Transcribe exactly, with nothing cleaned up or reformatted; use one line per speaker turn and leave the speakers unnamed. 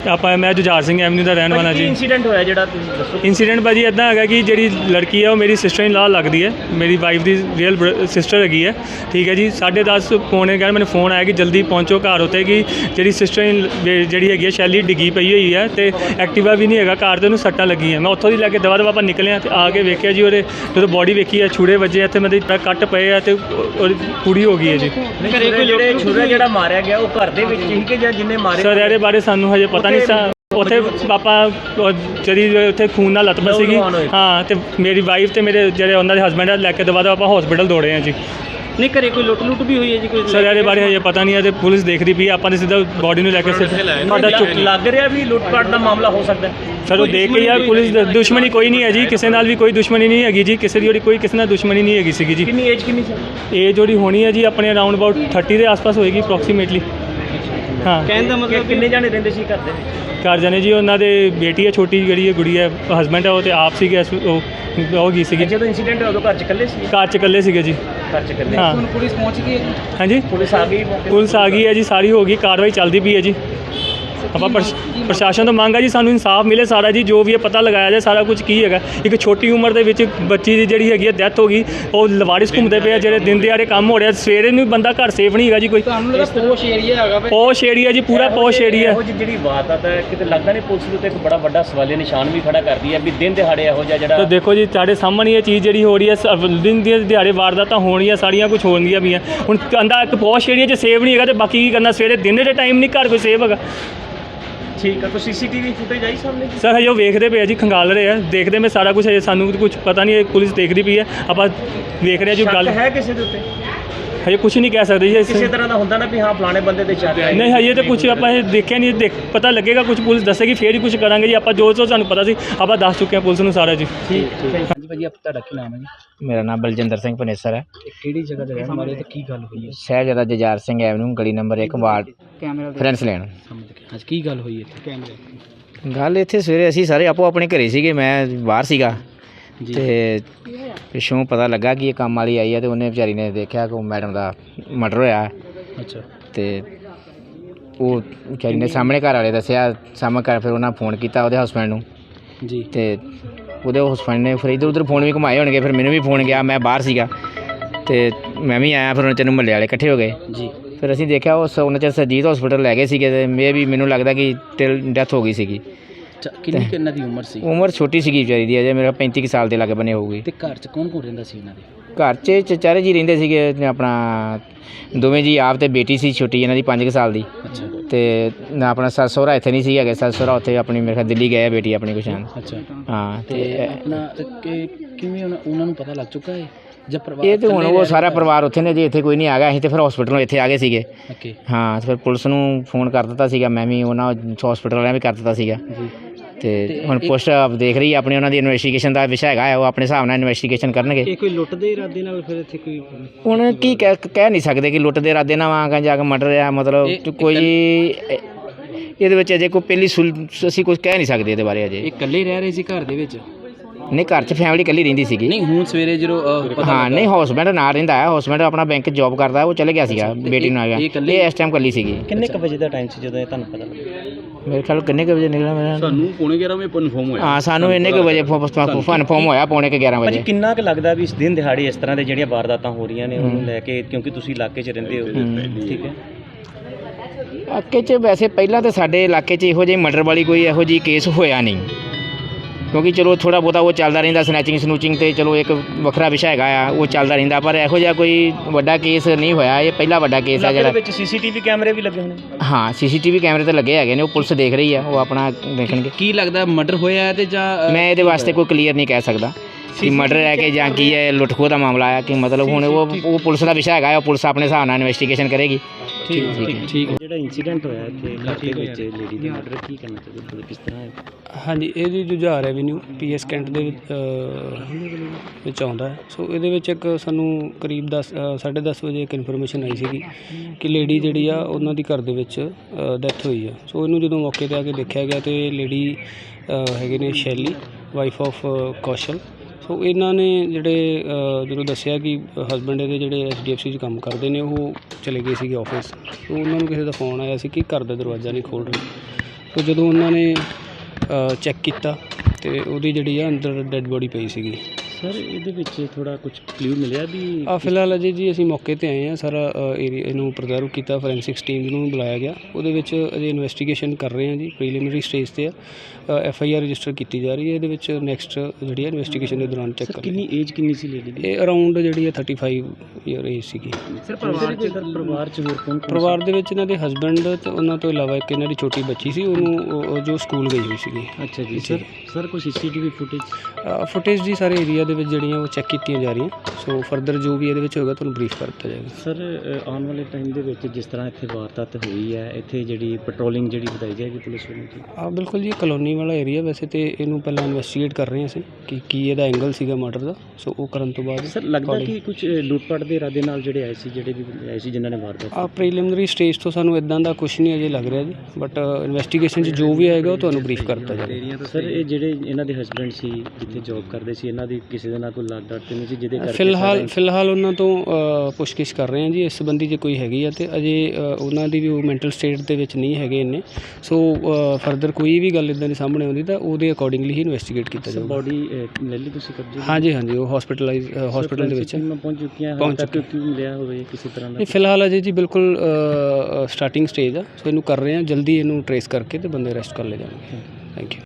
ਆਪਾਂ ਮੈਂ ਜੁਝਾਰ ਸਿੰਘ ਐਵਨਿਊ ਦਾ ਰਹਿਣ ਵਾਲਾ ਜੀ।
ਇੰਸੀਡੈਂਟ ਹੋਇਆ ਜਿਹੜਾ ਤੁਸੀਂ ਦੱਸੋ।
ਇੰਸੀਡੈਂਟ ਭਾਜੀ ਇੱਦਾਂ ਹੈਗਾ ਕਿ ਜਿਹੜੀ ਲੜਕੀ ਹੈ ਉਹ ਮੇਰੀ ਸਿਸਟਰ ਇਨ ਲਾ ਲੱਗਦੀ ਹੈ, ਮੇਰੀ ਵਾਈਫ ਦੀ ਰੀਅਲ ਸਿਸਟਰ ਹੈਗੀ ਹੈ। ਠੀਕ ਹੈ ਜੀ, ਸਾਢੇ ਦਸ ਪੌਣੇ ਗਿਆਰਾਂ ਮੈਨੂੰ ਫੋਨ ਆਇਆ ਕਿ ਜਲਦੀ ਪਹੁੰਚੋ ਘਰ ਉੱਤੇ ਕਿ ਜਿਹੜੀ ਸਿਸਟਰ ਇਨ ਜਿਹੜੀ ਹੈਗੀ ਹੈ ਸ਼ੈਲੀ ਡਿੱਗੀ ਪਈ ਹੋਈ ਹੈ ਅਤੇ ਐਕਟਿਵਾ ਵੀ ਨਹੀਂ ਹੈਗਾ ਘਰ, ਅਤੇ ਉਹਨੂੰ ਸੱਟਾਂ ਲੱਗੀਆਂ। ਮੈਂ ਉੱਥੋਂ ਦੀ ਲੈ ਕੇ ਦਵਾ ਦਵਾ ਆਪਾਂ ਨਿਕਲੇ ਅਤੇ ਆ ਕੇ ਵੇਖਿਆ ਜੀ ਉਹਦੇ ਜਦੋਂ ਬੋਡੀ ਵੇਖੀ ਹੈ ਛੁਰੇ ਵੱਜੇ ਇੱਥੇ ਮਤਲਬ ਕੱਟ ਪਏ ਆ ਅਤੇ ਉਹਦੀ ਪੂਰੀ ਹੋ ਗਈ ਹੈ ਜੀ।
ਘਰੇ ਕੋਈ ਜਿਹੜੇ ਛੁਰਾ ਜਿਹੜਾ ਮਾਰਿਆ ਗਿਆ ਉਹ ਘਰ ਦੇ ਵਿੱਚ ਹੀ ਕਿ ਜਾਂ ਜਿੰਨੇ ਮਾਰੇ?
ਸਰ ਇਹਦੇ ਬਾਰੇ ਸਾਨੂੰ ਹਜੇ ਪਤਾ ਨਹੀਂ ਸਾ। ਉੱਥੇ ਪਾਪਾ ਜਿਹੜੀ ਉੱਥੇ ਖੂਨ ਨਾਲ ਲੱਤ ਸੀਗੀ ਹਾਂ, ਅਤੇ ਮੇਰੀ ਵਾਈਫ ਅਤੇ ਮੇਰੇ ਜਿਹੜੇ ਉਹਨਾਂ ਦੇ ਹਸਬੈਂਡ ਲੈ ਕੇ ਦਵਾ ਦਵਾ ਆਪਾਂ ਹਸਪੀਟਲ ਦੌੜੇ ਹਾਂ ਜੀ।
ਨਹੀਂ ਘਰੇ ਕੋਈ ਲੁੱਟ ਲੁੱਟ ਵੀ ਹੋਈ ਹੈ ਜੀ ਕੋਈ?
ਸਰ ਇਹਦੇ ਬਾਰੇ ਹਜੇ ਪਤਾ ਨਹੀਂ ਹੈ ਅਤੇ ਪੁਲਿਸ ਦੇਖਦੀ ਪਈ, ਆਪਾਂ ਨੇ ਸਿੱਧਾ ਬੋਡੀ ਨੂੰ ਲੈ ਕੇ ਸਾਡਾ ਚੁੱਕ
ਲੱਗ ਰਿਹਾ ਵੀ ਲੁੱਟ ਪਾਟ ਦਾ ਮਾਮਲਾ ਹੋ ਸਕਦਾ
ਸਰ। ਉਹ ਦੇਖ ਕੇ ਯਾਰ ਪੁਲਿਸ ਦੁਸ਼ਮਣੀ ਕੋਈ ਨਹੀਂ ਹੈ ਜੀ, ਕਿਸੇ ਨਾਲ ਵੀ ਕੋਈ ਦੁਸ਼ਮਣੀ ਨਹੀਂ ਹੈਗੀ ਜੀ, ਕਿਸੇ ਦੀ ਜਿਹੜੀ ਕੋਈ ਕਿਸੇ ਨਾਲ ਦੁਸ਼ਮਣੀ ਨਹੀਂ ਹੈਗੀ ਸੀਗੀ ਜੀ।
ਕਿੰਨੀ ਏਜ ਕਿੰਨੀ ਸੀ?
ਏਜ ਜਿਹੜੀ ਹੋਣੀ ਹੈ ਜੀ ਆਪਣੇ ਅਰਾਊਂਡ ਅਬਾਊਟ ਥਰਟੀ ਦੇ ਆਸ-ਪਾਸ ਹੋਏਗੀ ਅਪਰੋਕਸੀਮੇਟਲੀ। ਹਾਂ,
ਕਹਿਣ ਦਾ ਮਤਲਬ ਕਿੰਨੇ ਜਾਣੇ ਰਹਿੰਦੇ ਸੀ ਘਰ ਦੇ ਵਿੱਚ?
ਘਰ ਜਾਣੇ ਜੀ ਉਹਨਾਂ ਦੇ ਬੇਟੀ ਹੈ ਛੋਟੀ ਜਿਹੜੀ ਹੈ ਗੁੜੀ ਹੈ, ਹਸਬੈਂਡ ਹੈ ਉਹ ਅਤੇ ਆਪ ਸੀਗੇ। ਉਹ ਉਹ ਗਈ ਸੀਗੀ
ਜਦੋਂ ਇੰਸੀਡੈਂਟ ਹੋਇਆ ਉਦੋਂ ਘਰ 'ਚ ਇਕੱਲੇ ਸੀ?
ਘਰ 'ਚ ਇਕੱਲੇ ਸੀਗੇ ਜੀ।
ਘਰ 'ਚ ਇਕੱਲੇ।
ਹਾਂ,
ਪੁਲਿਸ ਪਹੁੰਚ ਗਈ ਹੈ?
ਹਾਂਜੀ
ਪੁਲਿਸ ਆ ਗਈ?
ਪੁਲਿਸ ਆ ਗਈ ਹੈ ਜੀ, ਸਾਰੀ ਹੋ ਗਈ, ਕਾਰਵਾਈ ਚੱਲਦੀ ਪਈ ਹੈ ਜੀ। ਆਪਾਂ ਪ੍ਰਸ਼ਾਸਨ ਤੋਂ ਮੰਗ ਹੈ ਜੀ ਸਾਨੂੰ ਇਨਸਾਫ ਮਿਲੇ ਸਾਰਾ ਜੀ, ਜੋ ਵੀ ਇਹ ਪਤਾ ਲਗਾਇਆ ਜਾਏ ਸਾਰਾ ਕੁਝ ਕੀ ਹੈਗਾ। ਇੱਕ ਛੋਟੀ ਉਮਰ ਦੇ ਵਿੱਚ ਬੱਚੀ ਦੀ ਜਿਹੜੀ ਹੈਗੀ ਹੈ ਡੈਥ ਹੋ ਗਈ, ਉਹ ਲਵਾਰਿਸ ਘੁੰਮਦੇ ਪਏ ਆ ਜਿਹੜੇ ਦਿਨ ਦਿਹਾੜੇ ਕੰਮ ਹੋ ਰਿਹਾ, ਸਵੇਰੇ ਨੂੰ ਬੰਦਾ ਘਰ ਸੇਫ ਨਹੀਂ ਹੈਗਾ ਜੀ। ਕੋਈ
ਤੁਹਾਨੂੰ ਲੱਗਦਾ ਪੋਸ਼ ਏਰੀਆ ਹੈਗਾ?
ਪੋਸ਼ ਏਰੀਆ ਜੀ, ਪੂਰਾ ਪੋਸ਼ ਏਰੀਆ।
ਇਹੋ ਜਿਹੜੀ ਵਾਰਦਾਤ ਹੈ ਕਿਤੇ ਲੱਗਦਾ ਨਹੀਂ ਪੁਲਿਸ ਦੇ ਉੱਤੇ ਇੱਕ ਬੜਾ ਵੱਡਾ ਸਵਾਲੀਆ ਨਿਸ਼ਾਨ ਵੀ ਖੜਾ ਕਰਦੀ ਹੈ ਵੀ ਦਿਨ ਦਿਹਾੜੇ ਇਹੋ ਜਿਹਾ ਜਿਹੜਾ।
ਤਾਂ ਦੇਖੋ ਜੀ ਤੁਹਾਡੇ ਸਾਹਮਣੇ ਇਹ ਚੀਜ਼ ਜਿਹੜੀ ਹੋ ਰਹੀ ਹੈ, ਦਿਨ ਦੀ ਦਿਹਾੜੇ ਵਾਰਦਾਤਾਂ ਹੋਣੀਆਂ ਸਾਰੀਆਂ ਕੁਝ ਹੋਣਗੀਆਂ ਵੀ ਆ। ਹੁਣ ਕਹਿੰਦਾ ਇੱਕ ਪੋਸ਼ ਏਰੀਆ 'ਚ ਸੇਫ ਨਹੀਂ ਹੈਗਾ ਅਤੇ ਬਾਕੀ ਕੀ ਕਰਨਾ, ਸਵੇਰੇ ਦਿਨ ਦੇ ਟਾਈਮ ਨਹੀਂ ਘਰ ਕੋਈ ਸੇਫ ਹੈਗਾ।
ਠੀਕ ਹੈ, ਕੋਈ ਸੀਸੀਟੀਵੀ ਫੁਟੇਜ ਆਈ ਸਾਹਮਣੇ?
ਸਰ ਹਜੇ ਉਹ ਵੇਖਦੇ ਪਏ ਆ ਜੀ, ਖੰਗਾਲ ਰਹੇ ਆ, ਦੇਖਦੇ ਮੈਂ ਸਾਰਾ ਕੁਝ। ਹਜੇ ਸਾਨੂੰ ਕੁਝ ਪਤਾ ਨਹੀਂ, ਪੁਲਿਸ ਦੇਖਦੀ ਪਈ ਹੈ, ਆਪਾਂ ਵੇਖ ਰਹੇ ਹਾਂ ਜੀ। ਗੱਲ
ਹੈ ਕਿਸੇ ਦੇ ਉੱਤੇ?
ਹਜੇ ਕੁਝ ਨਹੀਂ ਕਹਿ ਸਕਦੇ ਜੀ।
ਕਿਸੇ ਤਰ੍ਹਾਂ ਦਾ ਹੁੰਦਾ ਨਾ ਵੀ ਹਾਂ ਫਲਾਣੇ ਬੰਦੇ ਦੇ ਚੱਲ ਰਿਹਾ?
ਨਹੀਂ ਹਜੇ ਤਾਂ ਕੁਝ ਆਪਾਂ ਇਹ ਦੇਖਿਆ ਨਹੀਂ, ਦੇਖ ਪਤਾ ਲੱਗੇਗਾ, ਕੁਝ ਪੁਲਿਸ ਦੱਸੇਗੀ ਫੇਰ ਹੀ ਕੁਝ ਕਰਾਂਗੇ ਜੀ। ਆਪਾਂ ਜੋ ਜੋ ਸਾਨੂੰ ਪਤਾ ਸੀ ਆਪਾਂ ਦੱਸ ਚੁੱਕੇ ਹਾਂ ਪੁਲਿਸ ਨੂੰ ਸਾਰਾ ਜੀ।
ਠੀਕ ਠੀਕ ਹਾਂਜੀ ਭਾਜੀ, ਆਪ ਤੁਹਾਡਾ ਕੀ ਨਾਮ ਹੈ ਜੀ?
ਮੇਰਾ ਨਾਮ ਬਲਜਿੰਦਰ ਸਿੰਘ ਪਨੇਸਰ ਹੈ।
ਕਿਹੜੀ ਜਗ੍ਹਾ ਤੇ ਰਹਿਣ ਵਾਲੇ ਤੇ ਕੀ ਗੱਲ ਹੋਈ ਹੈ?
ਸ਼ਹਿਜ਼ਾਦਾ ਜੁਝਾਰ ਸਿੰਘ ਐਵਨਿਊ ਗਲੀ ਨੰਬਰ ਇੱਕ ਵਾਰਡ ਫਰੈਂਸ ਲੈਣ।
ਅੱਜ ਕੀ ਗੱਲ ਹੋਈ ਇੱਥੇ? ਕੈਮਰੇ
ਗੱਲ ਇੱਥੇ ਸਵੇਰੇ ਅਸੀਂ ਸਾਰੇ ਆਪੋ ਆਪਣੇ ਘਰੇ ਸੀਗੇ, ਮੈਂ ਬਾਹਰ ਸੀਗਾ ਅਤੇ ਪਿੱਛੋਂ ਪਤਾ ਲੱਗਾ ਕਿ ਇਹ ਕੰਮ ਵਾਲੀ ਆਈ ਹੈ ਅਤੇ ਉਹਨੇ ਵਿਚਾਰੀ ਨੇ ਦੇਖਿਆ ਕਿ ਉਹ ਮੈਡਮ ਦਾ ਮਰਡਰ ਹੋਇਆ।
ਅੱਛਾ।
ਅਤੇ ਉਹ ਵਿਚਾਰੀ ਨੇ ਸਾਹਮਣੇ ਘਰ ਵਾਲੇ ਦੱਸਿਆ, ਸਾਹਮਣੇ ਘਰ ਫਿਰ ਉਹਨਾਂ ਫੋਨ ਕੀਤਾ ਉਹਦੇ ਹਸਬੈਂਡ ਨੂੰ
ਜੀ, ਅਤੇ
ਉਹਦੇ ਹਸਬੈਂਡ ਨੇ ਫਿਰ ਇੱਧਰ ਉੱਧਰ ਫੋਨ ਵੀ ਘੁਮਾਏ ਹੋਣਗੇ। ਫਿਰ ਮੈਨੂੰ ਵੀ ਫੋਨ ਗਿਆ, ਮੈਂ ਬਾਹਰ ਸੀਗਾ ਅਤੇ ਮੈਂ ਵੀ ਆਇਆ। ਫਿਰ ਉਹਨਾਂ ਚੰਨ ਮੁਹੱਲੇ ਵਾਲੇ ਇਕੱਠੇ ਹੋ ਗਏ ਜੀ। ਫਿਰ ਅਸੀਂ ਦੇਖਿਆ ਉਸ ਉਹਨਾਂ ਚਿਰ ਸਰਜੀਤ ਹਸਪੀਟਲ ਲੈ ਗਏ ਸੀਗੇ ਅਤੇ ਮੇ ਵੀ ਮੈਨੂੰ ਲੱਗਦਾ ਕਿ ਟਿਲ ਡੈਥ ਹੋ ਗਈ ਸੀਗੀ।
ਕਿੰਨੀ ਕਿੰਨਾ ਦੀ ਉਮਰ ਸੀ?
ਉਮਰ ਛੋਟੀ ਸੀਗੀ ਵਿਚਾਰੀ ਦੀ, ਅਜੇ ਮੇਰਾ ਪੈਂਤੀ ਕੁ ਸਾਲ ਦੇ ਲਾਗੇ ਬਣੇ ਹੋਊਗੀ।
ਅਤੇ ਘਰ 'ਚ ਕੌਣ ਕੌਣ ਰਹਿੰਦਾ ਸੀ ਇਹਨਾਂ ਦੇ?
ਘਰ 'ਚ ਚਚਾਰੇ ਜੀ ਰਹਿੰਦੇ ਸੀਗੇ, ਆਪਣਾ ਦੋਵੇਂ ਜੀ ਆਪ ਅਤੇ ਬੇਟੀ ਸੀ ਛੋਟੀ ਇਹਨਾਂ ਦੀ ਪੰਜ ਕੁ ਸਾਲ ਦੀ।
ਅੱਛਾ। ਅਤੇ
ਨਾ ਆਪਣਾ ਸੱਸ ਸਹੁਰਾ ਇੱਥੇ ਨਹੀਂ ਸੀ ਹੈਗੇ, ਸੱਸ ਸਹੁਰਾ ਉੱਥੇ ਆਪਣੀ ਮੇਰੇ ਖਿਆਲ ਦਿੱਲੀ ਗਏ ਬੇਟੀ ਆਪਣੀ ਕੁਛ।
ਅੱਛਾ।
ਹਾਂ,
ਅਤੇ ਆਪਣਾ ਕਿਵੇਂ ਉਹਨਾਂ ਨੂੰ ਪਤਾ ਲੱਗ ਚੁੱਕਾ ਹੈ?
ਇਹ ਤਾਂ ਹੁਣ ਉਹ ਸਾਰਾ ਪਰਿਵਾਰ ਉੱਥੇ ਨੇ ਜੀ, ਇੱਥੇ ਕੋਈ ਨਹੀਂ ਆ ਗਿਆ। ਅਸੀਂ ਤਾਂ ਫਿਰ ਹਸਪੀਟਲੋਂ ਇੱਥੇ ਆ ਗਏ ਸੀਗੇ। ਹਾਂ, ਫਿਰ ਪੁਲਿਸ ਨੂੰ ਫੋਨ ਕਰ ਦਿੱਤਾ ਸੀਗਾ, ਮੈਂ ਵੀ ਉਹਨਾਂ ਹਸਪੀਟਲ ਵਾਲਿਆਂ ਵੀ ਕਰ ਦਿੱਤਾ ਸੀਗਾ। ਅਤੇ ਹੁਣ ਪੁਲਿਸ ਦੇਖ ਰਹੀ ਆਪਣੀ, ਉਹਨਾਂ ਦੀ ਇਨਵੈਸਟੀਗੇਸ਼ਨ ਦਾ ਵਿਸ਼ਾ ਹੈਗਾ, ਉਹ ਆਪਣੇ ਹਿਸਾਬ ਨਾਲ ਇਨਵੈਸਟੀਗੇਸ਼ਨ ਕਰਨਗੇ।
ਇਹ ਕੋਈ ਲੁੱਟ ਦੇ ਇਰਾਦੇ ਨਾਲ ਫਿਰ ਇੱਥੇ ਕੋਈ
ਹੁਣ ਕੀ ਕਹਿ ਕਹਿ ਨਹੀਂ ਸਕਦੇ ਕਿ ਲੁੱਟ ਦੇ ਇਰਾਦੇ ਨਾਲ ਆਂਗਾ ਜਾ ਕੇ ਮਰਡਰ ਆ, ਮਤਲਬ ਕੋਈ ਇਹਦੇ ਵਿੱਚ ਅਜੇ ਕੋਈ ਪਹਿਲੀ ਸੁਲ ਅਸੀਂ ਕੁਝ ਕਹਿ ਨਹੀਂ ਸਕਦੇ ਇਹਦੇ ਬਾਰੇ ਅਜੇ।
ਇਹ ਇਕੱਲੇ ਰਹਿ ਰਹੇ ਸੀ ਘਰ ਦੇ ਵਿੱਚ?
ਨਹੀਂ, ਘਰ 'ਚ ਫੈਮਿਲੀ ਇਕੱਲੀ ਰਹਿੰਦੀ ਸੀਗੀ।
ਨਹੀਂ ਹੁਣ ਸਵੇਰੇ ਜਦੋਂ
ਹਾਂ, ਨਹੀਂ ਹਸਬੈਂਡ ਨਾਲ ਰਹਿੰਦਾ ਹੈ, ਹਸਬੈਂਡ ਆਪਣਾ ਬੈਂਕ ਜੋਬ ਕਰਦਾ, ਉਹ ਚਲੇ ਗਿਆ ਸੀਗਾ, ਬੇਟੀ ਨੂੰ ਆ ਗਿਆ। ਇਹ ਇਸ ਟਾਈਮ ਇਕੱਲੀ ਸੀਗੀ।
ਕਿੰਨੇ ਕੁ ਵਜੇ ਦਾ ਟਾਈਮ ਸੀ ਜਦੋਂ ਇਹ ਤੁਹਾਨੂੰ ਪਤਾ ਲੱਗਾ?
ਮੇਰੇ ਖਿਆਲ ਕਿੰਨੇ ਕੁ ਵਜੇ ਨਿਕਲਿਆ ਮੇਰਾ?
ਸਾਨੂੰ ਪੌਣੇ ਗਿਆਰਾਂ ਵਜੇ ਕਨਫਰਮ ਹੋਇਆ। ਹਾਂ,
ਸਾਨੂੰ ਇੰਨੇ ਕੁ ਵਜੇ ਕਨਫਰਮ ਹੋਇਆ, ਪੌਣੇ ਕੁ ਗਿਆਰਾਂ ਵਜੇ।
ਕਿੰਨਾ ਕੁ ਲੱਗਦਾ ਵੀ ਇਸ ਦਿਨ ਦਿਹਾੜੇ ਇਸ ਤਰ੍ਹਾਂ ਦੇ ਜਿਹੜੀਆਂ ਵਾਰਦਾਤਾਂ ਹੋ ਰਹੀਆਂ ਨੇ ਉਹਨੂੰ ਲੈ ਕੇ, ਕਿਉਂਕਿ ਤੁਸੀਂ ਇਲਾਕੇ 'ਚ ਰਹਿੰਦੇ ਹੋ? ਠੀਕ ਹੈ।
ਇਲਾਕੇ 'ਚ ਵੈਸੇ ਪਹਿਲਾਂ ਤਾਂ ਸਾਡੇ ਇਲਾਕੇ 'ਚ ਇਹੋ ਜਿਹੀ ਮਰਡਰ ਵਾਲੀ ਕੋਈ ਇਹੋ ਜਿਹੀ ਕੇਸ ਹੋਇਆ ਨਹੀਂ, ਕਿਉਂਕਿ ਚਲੋ ਥੋੜ੍ਹਾ ਬਹੁਤਾ ਉਹ ਚੱਲਦਾ ਰਹਿੰਦਾ, ਸਨੈਚਿੰਗ ਸਨੂਚਿੰਗ ਅਤੇ ਚਲੋ ਇੱਕ ਵੱਖਰਾ ਵਿਸ਼ਾ ਹੈਗਾ ਆ, ਉਹ ਚੱਲਦਾ ਰਹਿੰਦਾ, ਪਰ ਇਹੋ ਜਿਹਾ ਕੋਈ ਵੱਡਾ ਕੇਸ ਨਹੀਂ ਹੋਇਆ। ਇਹ ਪਹਿਲਾ ਵੱਡਾ ਕੇਸ ਆ ਜਿਹੜਾ।
ਵਿੱਚ ਸੀ ਸੀ ਟੀ ਵੀ ਕੈਮਰੇ ਵੀ ਲੱਗੇ ਹੋਣੇ?
ਹਾਂ, ਸੀ ਸੀ ਟੀ ਵੀ ਕੈਮਰੇ ਤਾਂ ਲੱਗੇ ਹੈਗੇ ਨੇ, ਉਹ ਪੁਲਿਸ ਦੇਖ ਰਹੀ ਆ, ਉਹ ਆਪਣਾ ਦੇਖਣਗੇ।
ਕੀ ਲੱਗਦਾ ਮਰਡਰ ਹੋਇਆ ਤੇ ਜਾਂ? ਮੈਂ
ਇਹਦੇ ਵਾਸਤੇ ਕੋਈ ਕਲੀਅਰ ਨਹੀਂ ਕਹਿ ਸਕਦਾ ਕਿ ਮਰਡਰ ਹੈ ਕਿ ਜਾਂ ਕੀ ਹੈ, ਲੁੱਟ ਖੋਹ ਦਾ ਮਾਮਲਾ ਆ ਕਿ ਮਤਲਬ ਹੁਣ ਉਹ ਉਹ ਪੁਲਿਸ ਦਾ ਵਿਸ਼ਾ ਹੈਗਾ, ਉਹ ਪੁਲਿਸ ਆਪਣੇ ਹਿਸਾਬ ਨਾਲ ਇਨਵੈਸਟੀਗੇਸ਼ਨ ਕਰੇਗੀ।
ਠੀਕ ਠੀਕ ਠੀਕ। ਜਿਹੜਾ ਇੰਸੀਡੈਂਟ ਹੋਇਆ ਇੱਥੇ ਇਲਾਕੇ ਵਿੱਚ ਲੇਡੀ ਦਾ ਮਰਡਰ, ਕੀ ਕਰਨਾ ਚਾਹੀਦਾ, ਕਿਸ ਤਰ੍ਹਾਂ?
ਹਾਂਜੀ, ਇਹ ਜੀ Jujhar avenue P S cantt ਦੇ ਵਿੱਚ ਆਉਂਦਾ ਹੈ। ਸੋ ਇਹਦੇ ਵਿੱਚ ਇੱਕ ਸਾਨੂੰ ਕਰੀਬ ਦਸ ਸਾਢੇ ਦਸ ਵਜੇ ਇੱਕ ਇਨਫੋਰਮੇਸ਼ਨ ਆਈ ਸੀਗੀ ਕਿ ਲੇਡੀ ਜਿਹੜੀ ਆ ਉਹਨਾਂ ਦੀ ਘਰ ਦੇ ਵਿੱਚ ਡੈਥ ਹੋਈ ਆ। ਸੋ ਇਹਨੂੰ ਜਦੋਂ ਮੌਕੇ 'ਤੇ ਆ ਕੇ ਦੇਖਿਆ ਗਿਆ ਅਤੇ ਲੇਡੀ ਹੈਗੇ ਨੇ ਸ਼ੈਲੀ, ਵਾਈਫ ਆਫ ਕੌਸ਼ਲ। ਸੋ ਇਹਨਾਂ ਨੇ ਜਿਹੜੇ ਜਦੋਂ ਦੱਸਿਆ ਕਿ ਹਸਬੈਂਡ ਇਹਦੇ ਜਿਹੜੇ ਐਚ ਡੀ ਐਫ ਸੀ 'ਚ ਕੰਮ ਕਰਦੇ ਨੇ, ਉਹ ਚਲੇ ਗਏ ਸੀਗੇ ਆਫਿਸ। ਸੋ ਉਹਨਾਂ ਨੂੰ ਕਿਸੇ ਦਾ ਫੋਨ ਆਇਆ ਸੀ ਕਿ ਘਰ ਦਾ ਦਰਵਾਜ਼ਾ ਨਹੀਂ ਖੋਲ੍ਹ ਰਹੇ। ਸੋ ਜਦੋਂ ਉਹਨਾਂ ਨੇ ਚੈੱਕ ਕੀਤਾ ਤੇ ਉਹਦੀ ਜਿਹੜੀ ਆ ਅੰਦਰ ਡੈੱਡ ਬੋਡੀ ਪਈ ਸੀਗੀ।
ਸਰ ਇਹਦੇ ਵਿੱਚ ਥੋੜਾ ਕੁਝ ਕਲੂ ਮਿਲਿਆ ਵੀ
ਆ ਫਿਲਹਾਲ ਅਜੇ ਜੀ ਅਸੀਂ ਮੌਕੇ ਤੇ ਆਏ ਹਾਂ, ਸਾਰਾ ਏਰੀਆ ਇਹਨੂੰ ਪ੍ਰੀਜ਼ਰਵ ਕੀਤਾ, ਫੋਰੈਂਸਿਕਸ ਟੀਮ ਨੂੰ ਬੁਲਾਇਆ ਗਿਆ, ਉਹਦੇ ਵਿੱਚ ਅਜੇ ਇਨਵੈਸਟੀਗੇਸ਼ਨ ਕਰ ਰਹੇ ਹਾਂ ਜੀ, ਪ੍ਰੀਲਿਮਿਨਰੀ ਸਟੇਜ ਤੇ ਆ, ਐਫ ਆਈ ਆਰ ਰਜਿਸਟਰ ਕੀਤੀ ਜਾ ਰਹੀ ਹੈ। ਇਹਦੇ ਵਿੱਚ ਨੈਕਸਟ ਜਿਹੜੀ ਹੈ ਇਨਵੈਸਟੀਗੇਸ਼ਨ ਦੇ ਦੌਰਾਨ ਚੈੱਕ ਕਰ
ਕਿੰਨੀ ਏਜ ਕਿੰਨੀ ਸੀ ਲੇਡੀ ਦੀ?
ਇਹ ਅਰਾਊਂਡ ਜਿਹੜੀ ਹੈ ਥਰਟੀ ਫਾਈਵ ਈਅਰ ਏਜ ਸੀਗੀ।
ਸਰ ਪਰਿਵਾਰ ਚ ਪਰਿਵਾਰ ਚ ਹੋਰ ਕੌਣ?
ਪਰਿਵਾਰ ਦੇ ਵਿੱਚ ਇਹਨਾਂ ਦੇ ਹਸਬੈਂਡ ਤੇ ਉਹਨਾਂ ਤੋਂ ਇਲਾਵਾ ਇੱਕ ਇਹਨਾਂ ਦੀ ਛੋਟੀ ਬੱਚੀ ਸੀ, ਉਹਨੂੰ ਜੋ ਸਕੂਲ ਗਈ ਹੋਈ ਸੀਗੀ।
ਅੱਛਾ ਜੀ। ਸਰ ਸਰ ਕੋਈ C C T V footage
footage ਦੀ ਸਾਰੇ ਏਰੀਆ ਦੇ ਵਿੱਚ ਜਿਹੜੀਆਂ ਉਹ ਚੈੱਕ ਕੀਤੀਆਂ ਜਾ ਰਹੀਆਂ, ਸੋ ਫਰਦਰ ਜੋ ਵੀ ਇਹਦੇ ਵਿੱਚ ਹੋਏਗਾ ਤੁਹਾਨੂੰ ਬਰੀਫ ਕਰ ਦਿੱਤਾ ਜਾਏਗਾ।
ਸਰ ਆਉਣ ਵਾਲੇ ਟਾਈਮ ਦੇ ਵਿੱਚ ਜਿਸ ਤਰ੍ਹਾਂ ਇੱਥੇ ਵਾਰਦਾਤ ਹੋਈ ਹੈ, ਇੱਥੇ ਜਿਹੜੀ ਪੈਟਰੋਲਿੰਗ ਜਿਹੜੀ ਵਧਾਈ ਜਾਏਗੀ ਪੁਲਿਸ ਵੱਲੋਂ?
ਆ ਬਿਲਕੁਲ ਜੀ, ਕਲੋਨੀ ਵਾਲਾ ਏਰੀਆ ਵੈਸੇ ਤੇ ਇਹਨੂੰ ਪਹਿਲਾਂ ਇਨਵੈਸਟੀਗੇਟ ਕਰ ਰਹੇ ਹਾਂ ਅਸੀਂ ਕਿ ਕੀ ਇਹਦਾ ਐਂਗਲ ਸੀਗਾ ਮਰਡਰ ਦਾ, ਸੋ ਉਹ ਕਰਨ ਤੋਂ ਬਾਅਦ
ਸਰ ਲੱਗਦਾ ਕਿ ਕੁਝ ਲੁੱਟਪਾਟ ਦੇ ਇਰਾਦੇ ਨਾਲ ਜਿਹੜੇ ਆਏ ਸੀ, ਜਿਹੜੇ ਵੀ ਆਏ ਸੀ ਜਿਨ੍ਹਾਂ ਨੇ ਵਾਰਦਾਤ
ਆ ਪ੍ਰੀਲਿਮਿਨਰੀ ਸਟੇਜ ਤੋਂ ਸਾਨੂੰ ਇਦਾਂ ਦਾ ਕੁਝ ਨਹੀਂ ਅਜੇ ਲੱਗ ਰਿਹਾ ਜੀ, ਬਟ ਇਨਵੈਸਟੀਗੇਸ਼ਨ 'ਚ ਜੋ ਵੀ ਆਏਗਾ ਉਹ ਤੁਹਾਨੂੰ ਬਰੀਫ ਕਰ ਦਿੱਤਾ ਜਾਏਗਾ।
ਸਰ ਇਹ ਜਿਹੜੇ ਇਹਨਾਂ ਦੇ ਹਸਬੈਂਡ ਸੀ ਜਿੱਥੇ ਜੌਬ ਕਰਦੇ ਸੀ, ਇਹਨਾਂ ਦੀ ਕਿਸੇ ਦੇ ਨਾਲ ਕੋਈ ਲੱਗ ਡਾਟ ਤੇ ਨਹੀਂ ਸੀ ਜਿਹਦੇ ਕਰਕੇ?
ਫਿਲਹਾਲ ਫਿਲਹਾਲ ਉਹਨਾਂ ਤੋਂ ਪੁੱਛਗਿੱਛ ਕਰ ਰਹੇ ਹਾਂ ਜੀ, ਇਸ ਸੰਬੰਧੀ ਜੇ ਕੋਈ ਹੈਗੀ ਆ, ਤੇ ਅਜੇ ਉਹਨਾਂ ਦੀ ਵੀ ਉਹ ਮੈਂਟਲ ਸਟੇਟ ਦੇ ਵਿੱਚ ਨਹੀਂ ਹੈਗੇ ਇੰਨੇ, ਸੋ ਫਰਦਰ ਕੋਈ ਵੀ ਗੱਲ ਇੱਦਾਂ ਦੀ ਸਾਹਮਣੇ ਆਉਂਦੀ ਤਾਂ ਉਹਦੇ ਅਕੋਰਡਿੰਗਲੀ ਹੀ ਇਨਵੈਸਟੀਗੇਟ ਕੀਤਾ ਜਾਊਗਾ।
ਬੋਡੀ ਲੈ ਲਈ ਤੁਸੀਂ ਕਬਜ਼ੇ?
ਹਾਂਜੀ ਹਾਂਜੀ, ਉਹ ਹਸਪੀਟਲਾਈਜ਼ ਹਸਪੀਟਲ ਦੇ ਵਿੱਚ
ਪਹੁੰਚ ਚੁੱਕੀਆਂ?
ਪਹੁੰਚ
ਚੁੱਕੀ ਕਿਉਂ ਮਿਲਿਆ ਹੋਵੇ ਕਿਸੇ ਤਰ੍ਹਾਂ ਦਾ?
ਇਹ ਫਿਲਹਾਲ ਅਜੇ ਜੀ ਬਿਲਕੁਲ ਸਟਾਰਟਿੰਗ ਸਟੇਜ ਆ, ਸੋ ਇਹਨੂੰ ਕਰ ਰਹੇ ਹਾਂ, ਜਲਦੀ ਇਹਨੂੰ ਟਰੇਸ ਕਰਕੇ ਤੇ ਬੰਦੇ ਅਰੈਸਟ ਕਰ ਲਏ ਜਾਣਗੇ। Thank you.